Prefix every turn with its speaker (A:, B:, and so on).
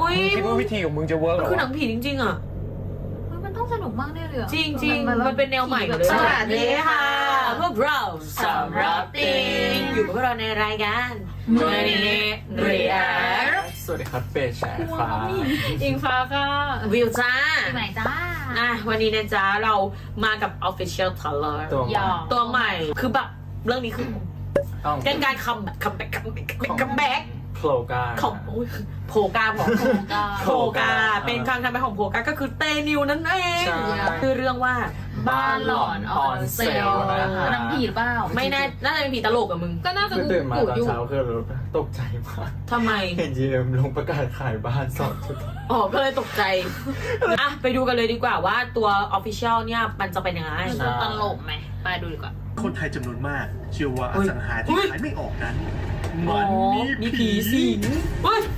A: คิดว่าวิธีของมึงจะเวิร์กหรอ
B: คือหนังผีจริงๆอ่ะ
C: มันต้องสนุกมากแน่เลย
B: จริงมันเป็นแนวใหม่เลยสวัสดีค่ะพวกเราสำรับติงอยู่กับพวกเราในรายการมือนี้เรียก
A: สวัสดีครับเฟย์แชร์ฟ้า
B: อิงฟ้าค่ะวิวจ้า
C: ปีใหม่จ้า
B: วันนี้นะจ๊ะเรามากับ Official Trailer ตัวใหม่คือแบบเรื่องนี้คือเป็นการคัมแบ็ก
A: โผล่กา
B: ของโผกาบอกโผกาเป็นครั้งทำไปของโผกาก็คือเตนิวนั่นเองคือเรื่องว่า
C: บ้านหลอนออนเซลหนังผีหรือเปล่า
B: ไม่แน่น่าจะเป็นผีตลกอะมึง
C: ก็น่าจะ
A: ตื่นมาตอนเช้าคือตกใจมาก
B: ทำไม
A: เห็นGMลงประกาศขายบ้าน2 ชุด
B: ก็เลยตกใจไปดูกันเลยดีกว่าว่าตัว Official เนี่ยมันจะเป็นยังไง
C: มันจะตลกไหมไปดูดีกว่า
D: คนไทยจำนวนมากเชื่อว่าอสังหาที่ขายไม่ออกนั้นมันมีผี
B: สิง